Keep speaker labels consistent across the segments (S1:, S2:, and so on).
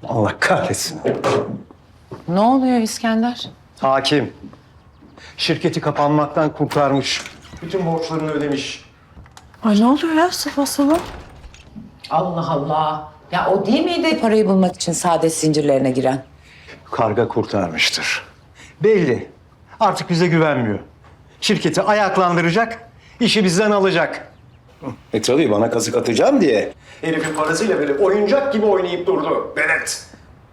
S1: Allah kahretsin.
S2: Ne oluyor İskender?
S1: Hakim. Şirketi kapanmaktan kurtarmış. Bütün borçlarını ödemiş.
S3: Ay ne oluyor ya sabah sabah?
S2: Allah Allah. Ya o değil miydi parayı bulmak için saadet zincirlerine giren?
S1: Karga kurtarmıştır. Belli. Artık bize güvenmiyor. Şirketi ayaklandıracak, işi bizden alacak. Tabii bana kazık atacağım diye. Herifin parasıyla böyle oyuncak gibi oynayıp durdu. Benet.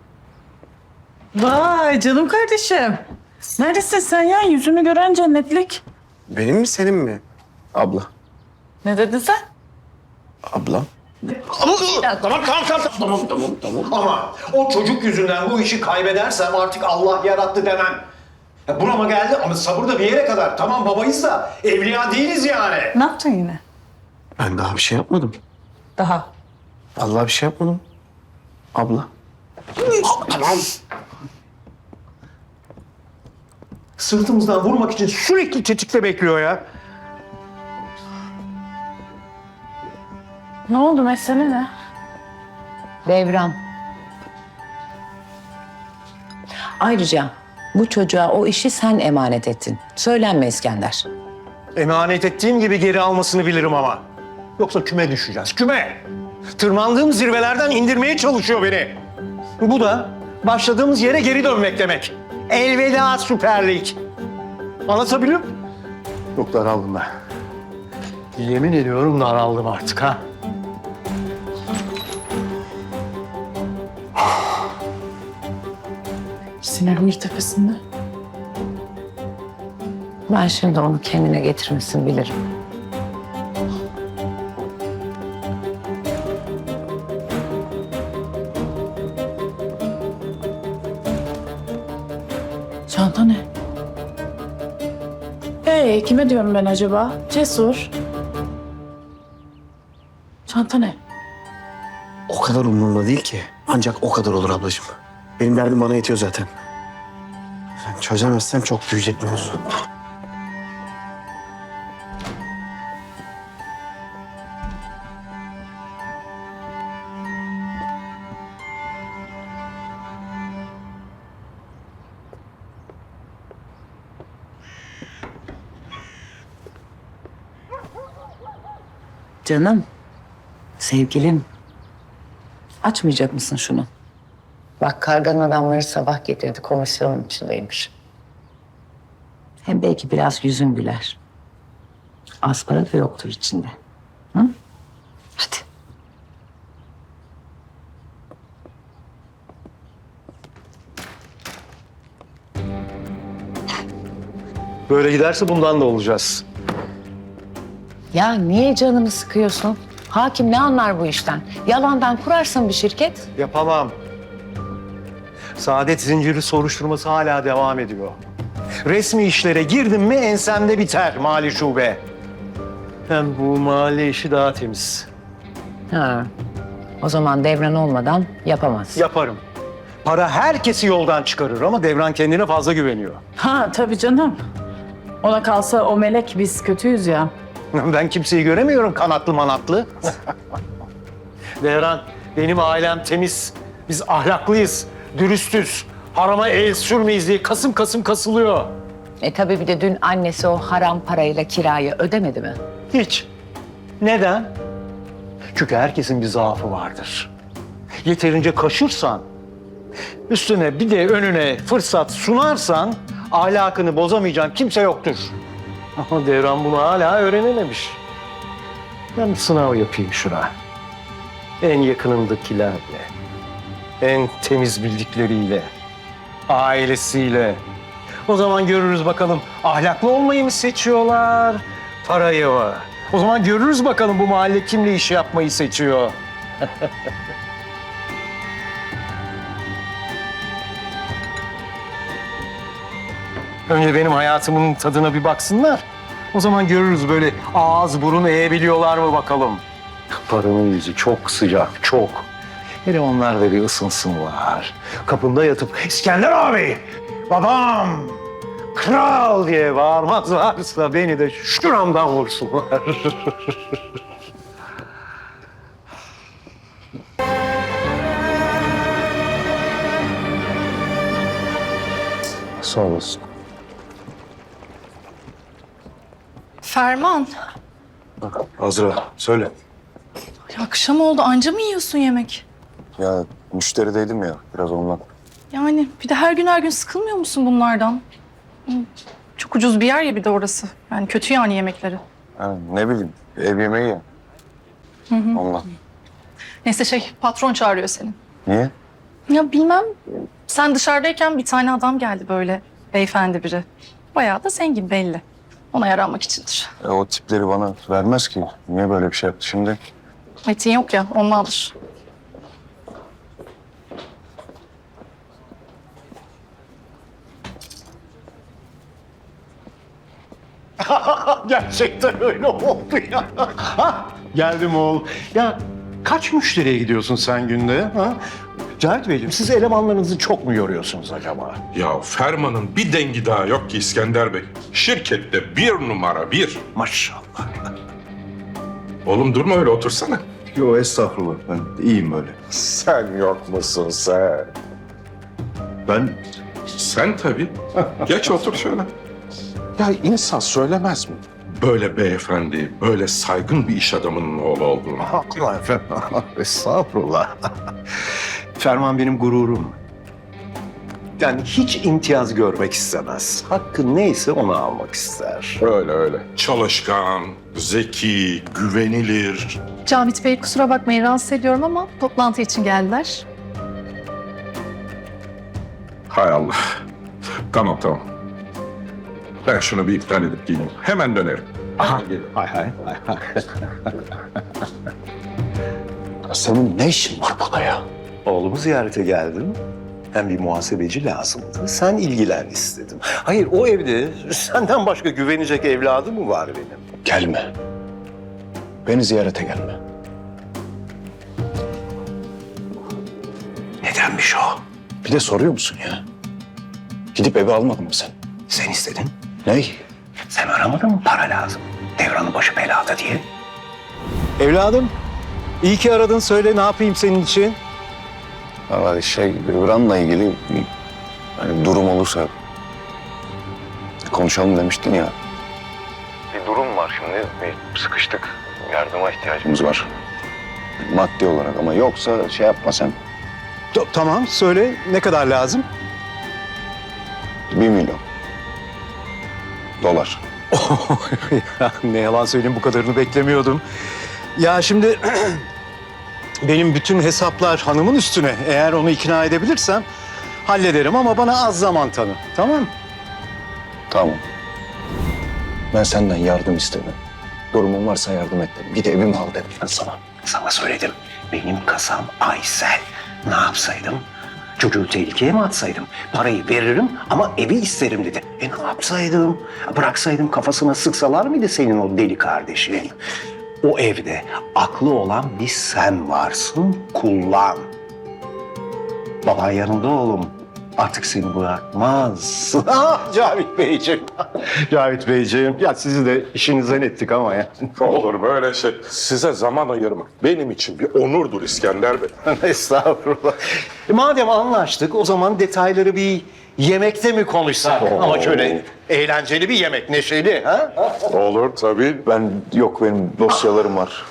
S3: Vay canım kardeşim. Neredesin sen ya? Yüzünü gören cennetlik.
S4: Benim mi senin mi? Abla.
S3: Ne dedin sen?
S4: Abla.
S1: Tamam. Ama o çocuk yüzünden bu işi kaybedersem artık Allah yarattı demem. Ya burama geldi ama sabır da bir yere kadar. Tamam babayız da evliya değiliz yani.
S3: Ne yaptın yine?
S4: Ben daha bir şey yapmadım.
S3: Daha.
S4: Vallahi bir şey yapmadım. Abla.
S1: Tamam. Sırtımızdan vurmak için sürekli tetikte bekliyor ya.
S3: Ne oldu mesele ne?
S2: Devran. Ayrıca bu çocuğa o işi sen emanet ettin. Söylenme İskender.
S1: Emanet ettiğim gibi geri almasını bilirim ama. Yoksa küme düşeceğiz, küme. Tırmandığım zirvelerden indirmeye çalışıyor beni. Bu da başladığımız yere geri dönmek demek. Elveda Süper Lig. Anlatabiliyor muyum? Yok daraldım ben. Yemin ediyorum daraldım artık ha.
S3: Sinirim bir tepesinde.
S2: Ben şimdi onu kendine getirmesini bilirim.
S3: Çanta ne? Kime diyorum ben acaba? Cesur. Çanta ne?
S4: O kadar umurumda değil ki. Ancak o kadar olur ablacığım. Benim derdim bana yetiyor zaten. Sen çözemezsem çok büyüyecek mevzu.
S2: Canım, sevgilim. Açmayacak mısın şunu? Bak karganın adamları sabah getirdi, komisyonun içindeymiş. Hem belki biraz yüzün güler. Az para da yoktur içinde. Hı? Hadi.
S1: Böyle giderse bundan da olacağız.
S2: Ya niye canını sıkıyorsun? Hakim ne anlar bu işten? Yalandan kurarsın bir şirket.
S1: Yapamam. Saadet zinciri soruşturması hala devam ediyor. Resmi işlere girdim mi ensemde biter mali şube. Hem bu mahalle işi daha temiz.
S2: Ha. O zaman devran olmadan yapamaz.
S1: Yaparım. Para herkesi yoldan çıkarır ama Devran kendine fazla güveniyor.
S3: Ha tabii canım. Ona kalsa o melek biz kötüyüz ya.
S1: Ben kimseyi göremiyorum kanatlı manatlı. Devran, benim ailem temiz. Biz ahlaklıyız, dürüstüz. Harama el sürmeyiz diye kasım kasım kasılıyor.
S2: Tabii bir de dün annesi o haram parayla kirayı ödemedi mi?
S1: Hiç. Neden? Çünkü herkesin bir zaafı vardır. Yeterince kaşırsan, üstüne bir de önüne fırsat sunarsan ahlakını bozamayacağın kimse yoktur. Ama Devran bunu hala öğrenememiş. Ben bir sınav yapayım şuna. En yakınındakilerle, en temiz bildikleriyle, ailesiyle. O zaman görürüz bakalım ahlaklı olmayı mı seçiyorlar, parayı mı? O zaman görürüz bakalım bu mahalle kimle iş yapmayı seçiyor. Önce benim hayatımın tadına bir baksınlar. O zaman görürüz böyle ağız burun eğebiliyorlar mı bakalım. Paranın yüzü çok sıcak, çok. Hele onlar da bir ısınsınlar. Kapında yatıp İskender abi, babam, kral diye bağırmazlarsa beni de şuramdan vursunlar.
S4: Sağ olasın.
S5: Ferman,
S6: Azra söyle.
S5: ya akşam oldu anca mı yiyorsun yemek?
S6: Ya müşterideydim ya biraz ondan.
S5: Yani bir de her gün sıkılmıyor musun bunlardan? Hı, çok ucuz bir yer ya bir de orası. Yani kötü yani yemekleri.
S6: Yani ne bileyim ev yemeği ya. Ondan.
S5: Neyse patron çağırıyor seni.
S6: Niye?
S5: Ya bilmem sen dışarıdayken bir tane adam geldi böyle beyefendi biri. Bayağı da zengin belli. Ona yaranmak içindir.
S6: O tipleri bana vermez ki. Niye böyle bir şey yaptı şimdi?
S5: Metin yok ya ondandır.
S1: Gerçekten öyle oldu ya. Ha, geldim oğul. Ya kaç müşteriye gidiyorsun sen günde? Ha? Cahit Beyciğim siz elemanlarınızı çok mu yoruyorsunuz acaba?
S7: Ya Ferman'ın bir dengi daha yok ki İskender Bey. Şirkette bir numara bir.
S1: Maşallah.
S7: Oğlum durma öyle otursana.
S6: Yo estağfurullah ben iyiyim öyle.
S7: Sen yok musun sen?
S6: Ben
S7: Sen tabii. Geç otur şöyle. Ya insan söylemez mi? Böyle beyefendi, böyle saygın bir iş adamının oğlu olduğunu.
S1: Allah efendim. Estağfurullah. Ferman benim gururum. Yani hiç imtiyaz görmek istemez. Hakkı neyse onu almak ister.
S7: Öyle öyle. Çalışkan, zeki, güvenilir.
S5: Cavit Bey kusura bakmayın rahatsız ediyorum ama toplantı için geldiler.
S7: Hay Allah. Tamam. Ben şunu bir iptal edip geleyim. Hemen dönerim.
S1: Aha. Hay hay.
S6: senin ne işin var?
S1: Burada ya. Oğlumu ziyarete geldim. Hem bir muhasebeci lazımdı. Sen ilgilen istedim. Hayır o evde senden başka güvenecek evladı mı var benim?
S6: Gelme. Beni ziyarete gelme.
S1: Nedenmiş o?
S6: Bir de soruyor musun ya? Gidip evi almadın mı sen?
S1: Sen istedin.
S6: Ney?
S1: Sen aramadın mı para lazım? Devranın başı belada diye. Evladım, iyi ki aradın. Söyle ne yapayım senin için?
S6: Valla Ümran'la ilgili bir hani durum olursa konuşalım demiştin ya. Bir durum var şimdi. Bir sıkıştık. Yardıma ihtiyacımız var. Maddi olarak ama yoksa şey yapma sen.
S1: Tamam, söyle ne kadar lazım?
S6: 1 milyon. Dolar.
S1: Ya, ne yalan söyleyeyim bu kadarını beklemiyordum. Ya şimdi benim bütün hesaplar hanımın üstüne. Eğer onu ikna edebilirsem hallederim ama bana az zaman tanı. Tamam?
S6: Tamam. Ben senden yardım istedim. Durumun varsa yardım et dedim. Git evimi al dedim ben sana.
S1: Sana söyledim. Benim kasam Aysel. Ne yapsaydım? Çocuğu tehlikeye mi atsaydım? Parayı veririm ama evi isterim dedi. Ne yapsaydım? Bıraksaydım kafasına sıksalar mıydı senin o deli kardeşin? O evde aklı olan bir sen varsın, kullan. Baban yanında oğlum. Artık seni bırakmaz. Cavit Beyciğim. Cavit Beyciğim. Ya sizi de işinizden ettik ama ya.
S7: Olur böyle şey. Size zaman ayırmak benim için bir onurdur İskender Bey.
S1: Estağfurullah. Madem anlaştık o zaman detayları bir yemekte mi konuşsak? Ama şöyle eğlenceli bir yemek, neşeli. Ha?
S7: Olur tabii.
S6: Benim dosyalarım var.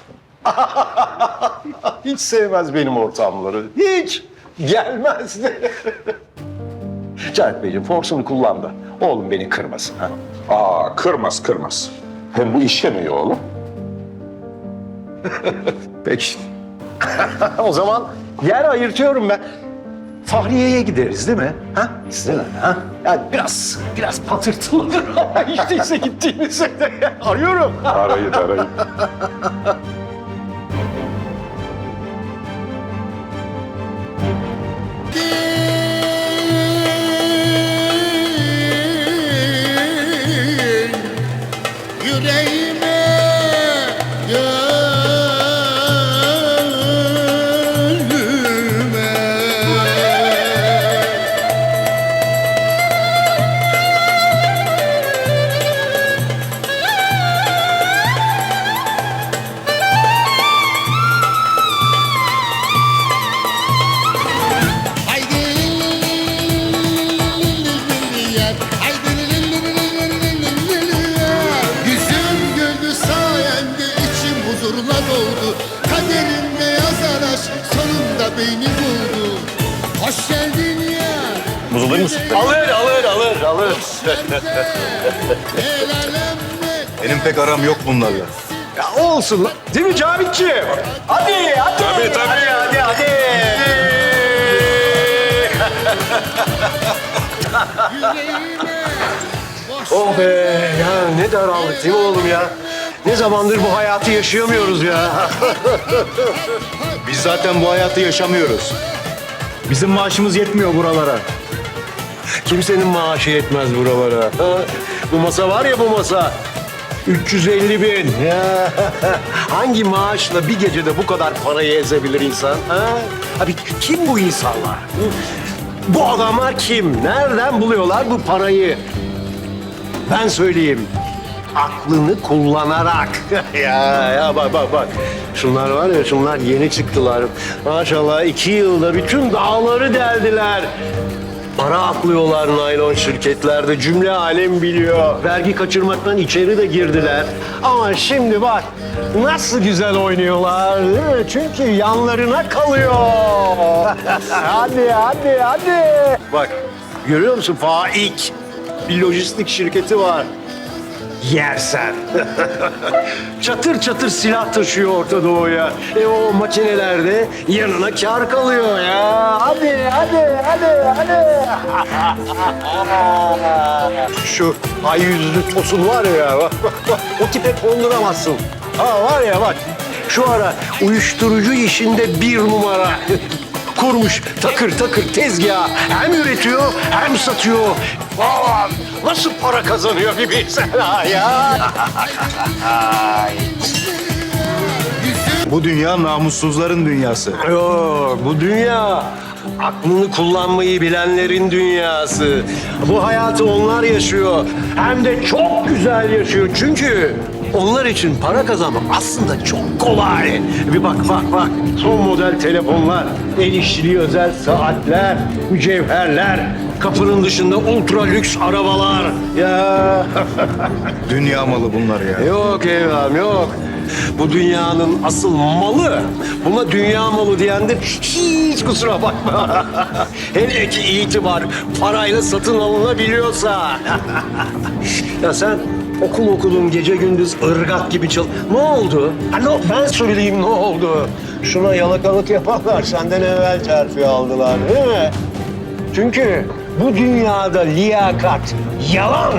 S1: Hiç sevmez benim ortamları. Hiç. Gelmez de. Cahit Beyciğim forsunu kullan da oğlum beni kırmasın. Ha?
S7: Kırmaz. Hem bu iş yemeği oğlum.
S1: Peki. O zaman yer ayırtıyorum ben. Fahriye'ye gideriz değil mi? Ha? Size ha? Yani biraz patırtılıdır ama hiç değilse gittiğimizde de arıyorum.
S7: Arayın.
S8: Yüreğime gönlüme huzurla doldu. Kaderinde yazan aşk sonunda beni buldu. Hoş geldin ya.
S6: Buz alır mısın?
S1: Alır.
S8: El alemle
S6: Benim pek aram yok bunlarla.
S1: Ya olsun lan. Değil mi Cavitciğim? Hadi.
S6: Tabii.
S1: Hadi.
S8: yüreğime boş
S1: Oh be ya ne daraldık değil mi oğlum ya? Ne zamandır bu hayatı yaşayamıyoruz ya.
S6: Biz zaten bu hayatı yaşamıyoruz.
S1: Bizim maaşımız yetmiyor buralara. Kimsenin maaşı yetmez buralara. Ha? Bu masa var ya bu masa. 350 bin. Ya. Hangi maaşla bir gecede bu kadar parayı ezebilir insan? Ha? Abi kim bu insanlar? Bu adamlar kim? Nereden buluyorlar bu parayı? Ben söyleyeyim. Aklını kullanarak. ya bak. Şunlar var ya şunlar yeni çıktılar. Maşallah 2 yılda bütün dağları deldiler. Para aklıyorlar naylon şirketlerde. Cümle alem biliyor. Vergi kaçırmaktan içeri de girdiler. Ama şimdi bak nasıl güzel oynuyorlar. Değil mi? Çünkü yanlarına kalıyor. hadi. Bak görüyor musun Faik? Bir lojistik şirketi var. Yersen. Çatır çatır silah taşıyor Orta Doğu'ya. O makinelerde yanına kâr kalıyor ya. Hadi. Şu ay yüzlü tosun var ya. O tipe konduramazsın. Ha var ya bak. Şu ara uyuşturucu işinde 1 numara. Kurmuş takır tezgah. Hem üretiyor hem satıyor. Vay, nasıl para kazanıyor bir bilsen ha ya.
S6: Bu dünya namussuzların dünyası.
S1: Yok bu dünya aklını kullanmayı bilenlerin dünyası. Bu hayatı onlar yaşıyor. Hem de çok güzel yaşıyor. Çünkü onlar için para kazanmak aslında çok kolay. Bir bak. Son model telefonlar, el işçiliği özel saatler, mücevherler, kapının dışında ultra lüks arabalar. Ya
S6: Dünya malı bunlar ya.
S1: yok evladım yok. Bu dünyanın asıl malı. Buna dünya malı diyen de hiç kusura bakma. Hele ki itibar parayla satın alınabiliyorsa. Ya sen okudun gece gündüz ırgat gibi Ne oldu? Ben söyleyeyim ne oldu? Şuna yalakalık yapanlar senden evvel terfi aldılar değil mi? Çünkü bu dünyada liyakat yalan.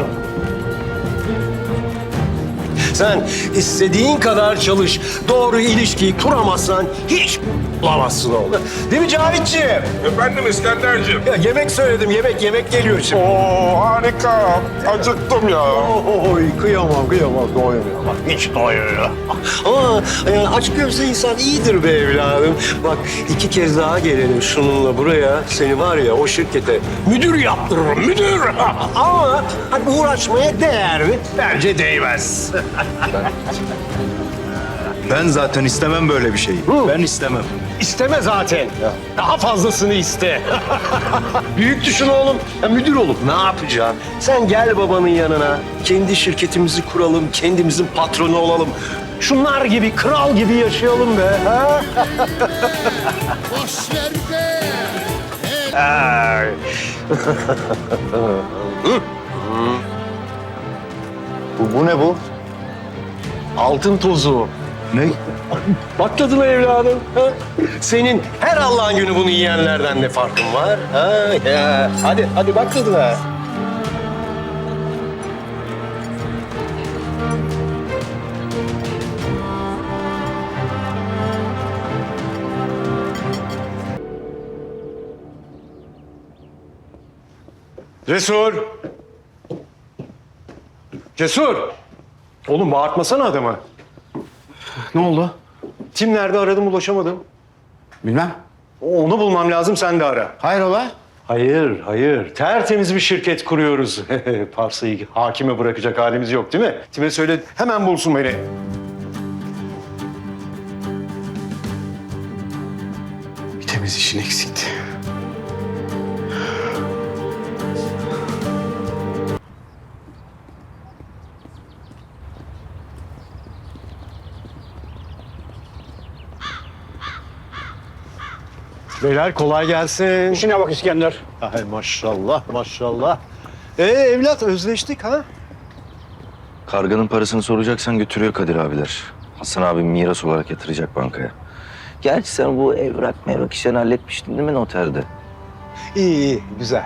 S1: Sen istediğin kadar çalış, doğru ilişkiyi kuramazsan hiç bulamazsın oğlum. Değil mi Cavitciğim?
S7: Efendim İskenderciğim.
S1: Ya yemek söyledim, yemek geliyor şimdi.
S7: Oo harika. Acıktım ya.
S1: Oy kıyamam, doymuyor. Bak hiç doymuyor. Ama yani aç gözlü insan iyidir be evladım. Bak 2 kez daha gelelim şununla buraya. Seni var ya o şirkete müdür yaptırırım, müdür. Ama hani uğraşmaya değer mi? Bence değmez.
S6: Ben zaten istemem böyle bir şeyi. Ben istemem.
S1: İsteme zaten. Daha fazlasını iste. Büyük düşün oğlum. Ya müdür olup ne yapacaksın? Sen gel babanın yanına. Kendi şirketimizi kuralım. Kendimizin patronu olalım. Şunlar gibi, kral gibi yaşayalım be. Ha?
S8: boş ver be.
S1: Ay.
S6: Bu ne bu?
S1: Altın tozu.
S6: Ne?
S1: Bak tadına evladım. Ha? Senin her Allah'ın günü bunu yiyenlerden ne farkın var? Ha? Ya. Hadi bak tadına. Cesur. Oğlum bağırtmasana adamı.
S4: Ne oldu?
S1: Tim nerede aradım ulaşamadım.
S4: Bilmem.
S1: Onu bulmam lazım sen de ara.
S4: Hayrola?
S1: Hayır. Tertemiz bir şirket kuruyoruz. Parsayı hakime bırakacak halimiz yok değil mi? Tim'e söyle hemen bulsun beni.
S4: Bir temiz işin eksikti.
S1: Beyler kolay gelsin.
S9: İşine bak İskender.
S1: Ay maşallah maşallah. Evlat özleştik ha?
S6: Karganın parasını soracaksan götürüyor Kadir abiler. Hasan abi miras olarak yatıracak bankaya. Gerçi sen bu evrak işlerini halletmiştin değil mi noterde?
S1: İyi iyi güzel.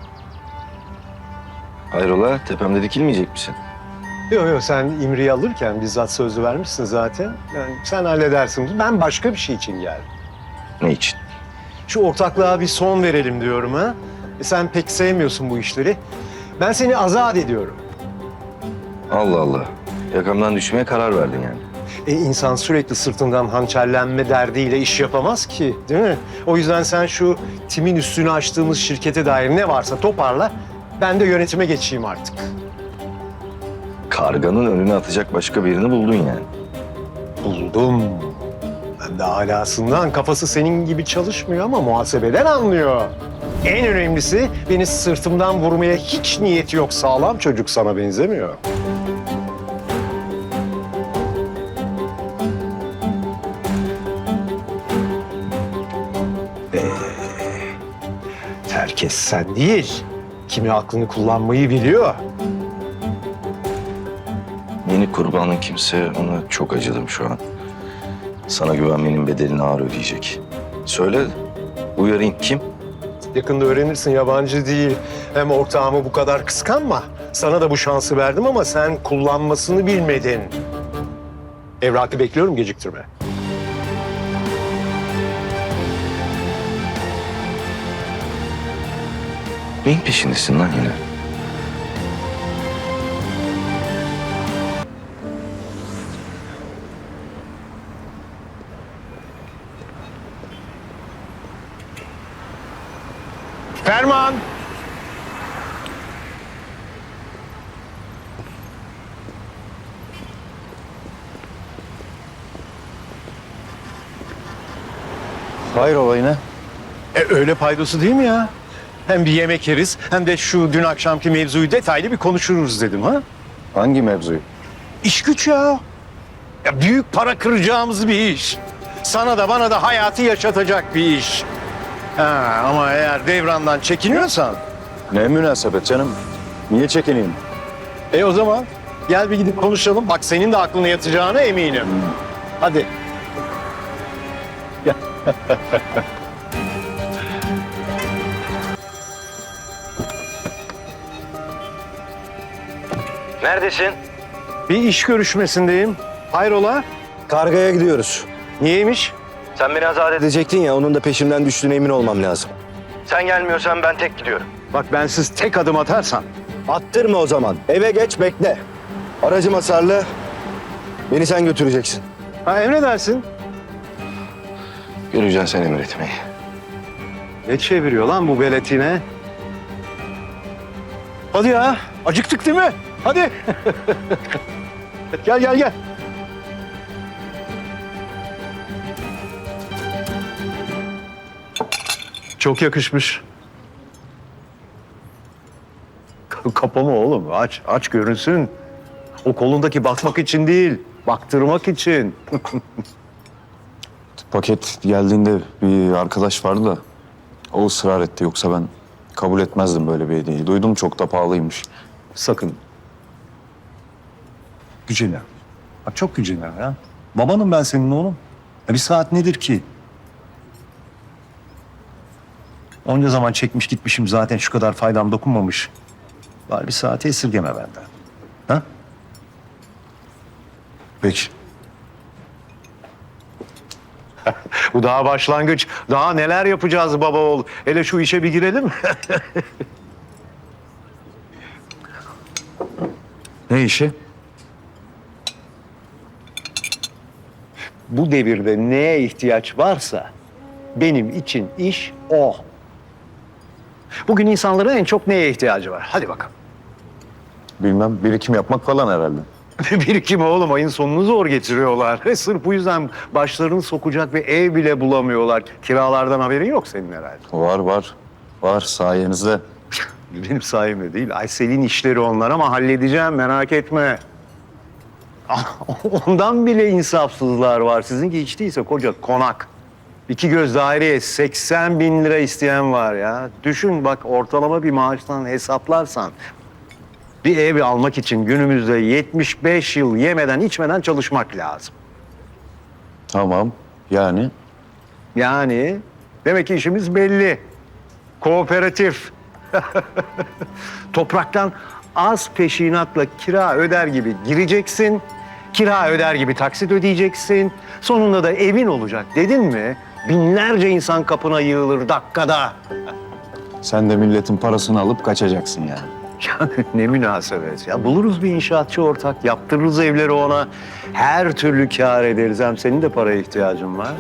S6: Hayrola tepemde dikilmeyecek misin?
S1: Yok yok sen İmri'yi alırken bizzat sözü vermişsin zaten. Yani sen halledersin. Ben başka bir şey için geldim.
S6: Ne için?
S1: Şu ortaklığa bir son verelim diyorum ha. Sen pek sevmiyorsun bu işleri. Ben seni azat ediyorum.
S6: Allah Allah. Yakamdan düşmeye karar verdin yani.
S1: İnsan sürekli sırtından hançerlenme derdiyle iş yapamaz ki, değil mi? O yüzden sen şu timin üstünü açtığımız şirkete dair ne varsa toparla. Ben de yönetime geçeyim artık.
S6: Karganın önüne atacak başka birini buldun yani.
S1: Buldum. Ben de alasından kafası senin gibi çalışmıyor ama muhasebeden anlıyor. En önemlisi beni sırtımdan vurmaya hiç niyeti yok. Sağlam çocuk sana benzemiyor. Herkes sen değil. Kimi aklını kullanmayı biliyor.
S6: Yeni kurbanın kimse, ona çok acıdım şu an. Sana güvenmenin bedelini ağır ödeyecek. Söyle, uyarayım kim?
S1: Yakında öğrenirsin, yabancı değil. Hem ortağımı bu kadar kıskanma. Sana da bu şansı verdim ama sen kullanmasını bilmedin. Evrakı bekliyorum, geciktirme.
S6: Neyin peşindesin lan yine?
S1: Ferman!
S6: Hayrola yine?
S1: Öyle paydosu değil mi ya? Hem bir yemek yeriz hem de şu dün akşamki mevzuyu detaylı bir konuşuruz dedim ha.
S6: Hangi mevzuyu?
S1: İş güç ya. Ya büyük para kıracağımız bir iş. Sana da bana da hayatı yaşatacak bir iş. Ha, ama eğer devrandan çekiniyorsan...
S6: Ne münasebet canım? Niye çekineyim?
S1: O zaman gel bir gidip konuşalım. Bak senin de aklına yatacağına eminim. Hadi.
S6: Neredesin?
S1: Bir iş görüşmesindeyim. Hayrola?
S10: Kargaya gidiyoruz.
S1: Niyeymiş?
S10: Sen beni azat edecektin ya, onun da peşimden düştüğüne emin olmam lazım.
S6: Sen gelmiyorsan ben tek gidiyorum.
S1: Bak bensiz tek adım atarsan.
S10: Attırma o zaman. Eve geç, bekle. Aracım hasarlı. Beni sen götüreceksin.
S1: Ha emredersin.
S6: Göreceksin sen emretmeyi.
S1: Ne çeviriyor lan bu veletine? Hadi ya. Acıktık değil mi? Hadi. Gel gel gel. Çok yakışmış. Kapama oğlum. Aç, aç görünsün. O kolundaki bakmak için değil, baktırmak için.
S11: Paket geldiğinde bir arkadaş vardı da o ısrar etti. Yoksa ben kabul etmezdim böyle bir hediyeyi. Duydum çok da pahalıymış.
S1: Sakın. Gücenme. Bak çok gücenme ya. Babanım ben senin oğlum. Ya bir saat nedir ki? Onca zaman çekmiş gitmişim zaten şu kadar faydam dokunmamış. Bari bir saati esirgeme benden. Ha?
S11: Peki.
S1: Bu daha başlangıç. Daha neler yapacağız baba oğul. Hele şu işe bir girelim.
S11: Ne işi?
S1: Bu devirde neye ihtiyaç varsa benim için iş o. Bugün insanların en çok neye ihtiyacı var? Hadi bakalım.
S11: Bilmem, birikim yapmak falan herhalde.
S1: Birikim oğlum, ayın sonunu zor getiriyorlar. Sırf bu yüzden başlarını sokacak bir ev bile bulamıyorlar. Kiralardan haberin yok senin herhalde.
S11: Var var. Var sayenizde.
S1: Benim sayemde değil. Aysel'in işleri onlar ama halledeceğim, merak etme. Ondan bile insafsızlar var. Sizinki hiç değilse koca konak. 2 göz daireye 80 bin lira isteyen var ya. Düşün bak, ortalama bir maaştan hesaplarsan bir ev almak için günümüzde 75 yıl yemeden içmeden çalışmak lazım.
S11: Tamam. Yani
S1: Yani demek ki işimiz belli. Kooperatif. Topraktan az peşinatla kira öder gibi gireceksin. Kira öder gibi taksit ödeyeceksin. Sonunda da evin olacak dedin mi? Binlerce insan kapına yığılır dakikada.
S11: sen de milletin parasını alıp kaçacaksın yani.
S1: Yani ne münasebet ya. Buluruz bir inşaatçı ortak, yaptırırız evleri ona. Her türlü kâr ederiz. Hem senin de paraya ihtiyacın var.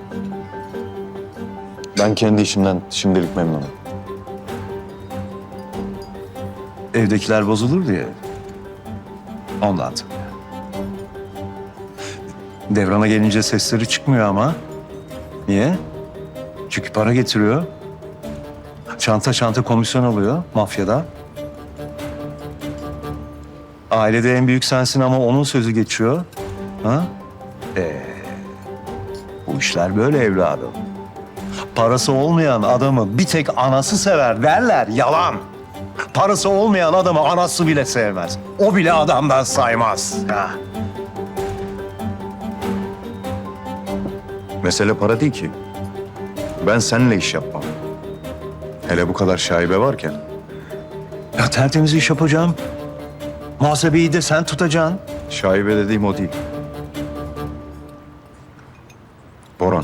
S11: Ben kendi işimden şimdilik memnunum.
S1: Evdekiler bozulur diye. Ondan tabii. Devran'a gelince sesleri çıkmıyor ama. Niye? Çünkü para getiriyor. Çanta çanta komisyon alıyor mafyada. Ailede en büyük sensin ama onun sözü geçiyor. Ha? Bu işler böyle evladım. Parası olmayan adamı bir tek anası sever derler. Yalan. Parası olmayan adamı anası bile sevmez. O bile adamdan saymaz. Ha.
S11: Mesele para değil ki. Ben seninle iş yapmam. Hele bu kadar şaibe varken.
S1: Ya tertemiz iş yapacağım. Muhasebeyi de sen tutacaksın.
S11: Şaibe dediğim o değil. Boran.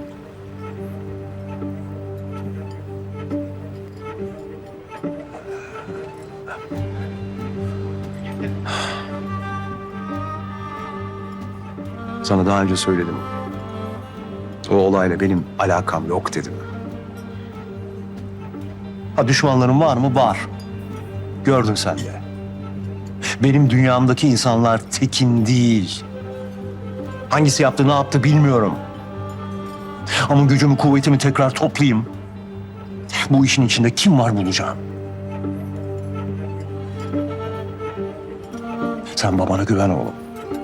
S1: Sana daha önce söyledim. O olayla benim alakam yok dedim. Ha, düşmanlarım var mı? Var. Gördün sen de. Benim dünyamdaki insanlar tekin değil. Hangisi yaptı, ne yaptı bilmiyorum. Ama gücümü, kuvvetimi tekrar toplayayım. Bu işin içinde kim var bulacağım. Sen babana güven oğlum.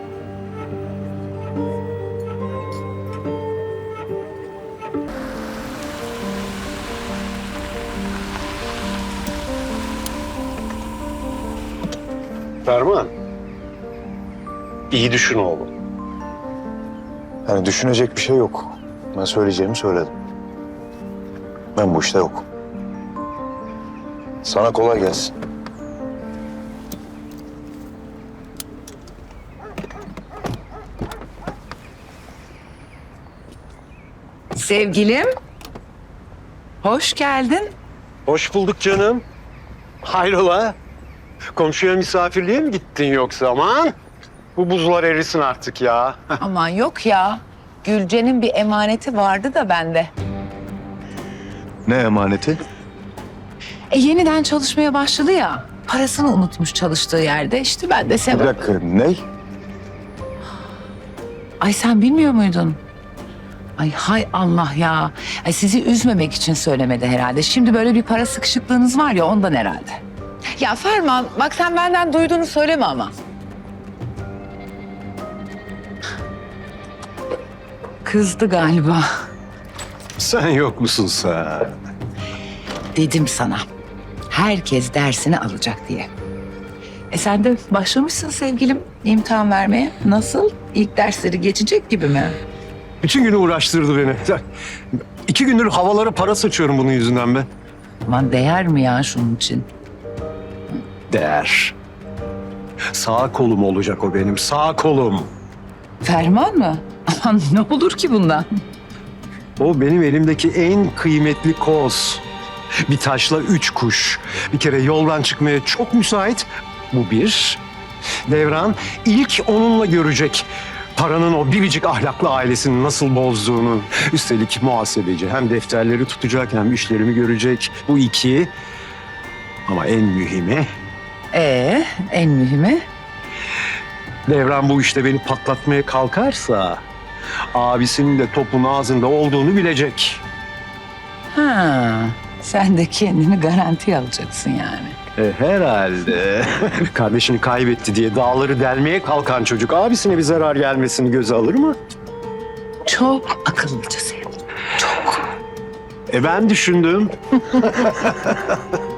S1: Ferman. İyi düşün oğlum.
S11: Yani düşünecek bir şey yok. Ben söyleyeceğimi söyledim. Ben bu işte yokum. Sana kolay gelsin.
S2: Sevgilim, hoş geldin.
S1: Hoş bulduk canım. Hayrola? Komşuya misafirliğe mi gittin yoksa? Aman bu buzlar erisin artık ya.
S2: Aman yok ya. Gülce'nin bir emaneti vardı da bende.
S11: Ne emaneti?
S2: Yeniden çalışmaya başladı ya. Parasını unutmuş çalıştığı yerde. İşte ben de
S11: Bir
S2: sevap.
S11: dakika, ne?
S2: Ay sen bilmiyor muydun? Ay hay Allah ya. Ay sizi üzmemek için söylemedi herhalde. Şimdi böyle bir para sıkışıklığınız var ya ondan herhalde. Ya Ferman bak sen benden duyduğunu söyleme ama. Kızdı galiba.
S1: Sen yok musun sen?
S2: Dedim sana. Herkes dersini alacak diye. Sen de başlamışsın sevgilim imtihan vermeye. Nasıl? İlk dersleri geçecek gibi mi?
S1: Bütün günü uğraştırdı beni. 2 gündür havalara para saçıyorum bunun yüzünden be.
S2: Aman değer mi ya şunun için?
S1: Değer. Sağ kolum olacak o benim, sağ kolum.
S2: Ferman mı? Aman ne olur ki bundan?
S1: O benim elimdeki en kıymetli koz. Bir taşla 3 kuş. Bir kere yoldan çıkmaya çok müsait. Bu bir. Devran ilk onunla görecek paranın o biricik ahlaklı ailesini nasıl bozduğunu. Üstelik muhasebeci. Hem defterleri tutacak hem işlerimi görecek. Bu 2. Ama en mühimi
S2: En mühimi?
S1: Devran bu işte beni patlatmaya kalkarsa abisinin de topun ağzında olduğunu bilecek.
S2: Ha, sen de kendini garantiye alacaksın yani.
S1: Herhalde. Kardeşini kaybetti diye dağları delmeye kalkan çocuk abisine bir zarar gelmesini göze alır mı?
S2: Çok akıllıcasın.
S9: Ben düşündüm.